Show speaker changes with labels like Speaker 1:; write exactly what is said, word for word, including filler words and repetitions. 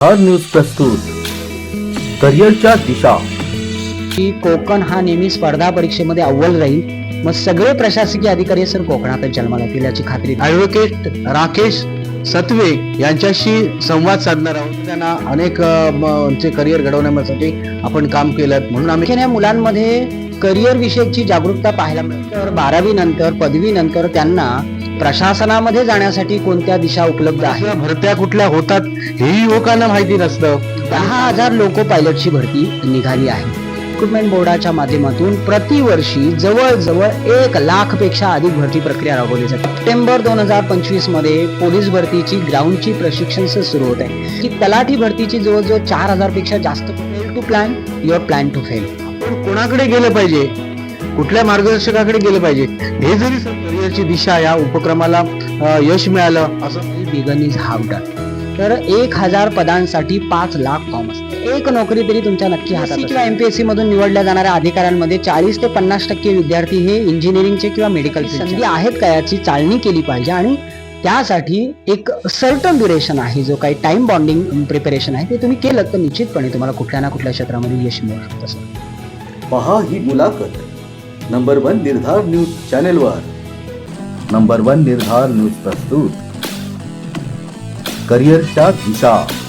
Speaker 1: हर news प्रस्तुत करिअरच्या दिशा।
Speaker 2: की कोकण हा नेहमी स्पर्धा परीक्षेमध्ये अव्वल राहील, मग सगळे प्रशासकीय अधिकारी सर कोकणातच जन्माला येतील याची खात्री
Speaker 3: ॲडव्होकेट राकेश सत्वे यांच्याशी संवाद साधणार आहोत। त्यांना अनेक चे करिअर घडवण्यासाठी आपण काम केलं, म्हणून आम्ही
Speaker 2: या मुलांमध्ये करिअर विषयीची जागरूकता पाहायला मिळते। तर बारावी नंतर पदवी नंतर त्यांना प्रशासनामध्ये जाण्यासाठी कोणत्या दिशा उपलब्ध आहेत,
Speaker 3: भरत्या कुठल्या होतात हेही युवकांना माहिती नसतं।
Speaker 2: दहा हजार लोको पायलटची भरती निघाली आहे। रिक्रुटमेंट बोर्डाच्या माध्यमातून प्रतिवर्षी जवळजवळ एक लाख पेक्षा अधिक भरती प्रक्रिया राबवली जाते। सप्टेंबर दोन हजार पंचवीस मध्ये पोलीस भरतीची ग्राउंडची प्रशिक्षण सुरू होत आहे। की तलाठी भरतीची जवळजवळ चार हजार पेक्षा जास्त। Fail to plan your plan to fail.
Speaker 3: आपण कोणाकडे गेलं पाहिजे, कुठल्या मार्गदर्शकाकडे गेलं पाहिजे, हे जरी करिअरची दिशा या उपक्रमाला अ, यश मिळालं असं
Speaker 2: बिगन इज हाफ डन। तर एक हजार पदांसाठी पाच लाख फॉर्म असतात। एक नोकरी तरी तुमच्या नक्की हातात असेल। किंवा एमपीएससी मधून निवडल्या जाणाऱ्या अधिकाऱ्यांमध्ये चाळीस ते पन्नास टक्के विद्यार्थी हे इंजिनिअरिंगचे किंवा मेडिकल संधी आहेत का याची चाळणी केली पाहिजे, आणि त्यासाठी एक सर्टन ड्युरेशन आहे, जो काही टाइम बॉन्डिंग प्रिपरेशन आहे ते तुम्ही केलं तर निश्चितपणे तुम्हाला कुठल्या ना कुठल्या क्षेत्रामध्ये यश मिळू शकतं सर।
Speaker 1: पहा ही मुलाखत नंबर वन निर्धार न्यूज चॅनेलवर। नंबर वन निर्धार न्यूज प्रस्तुत करिअरच्या दिशा।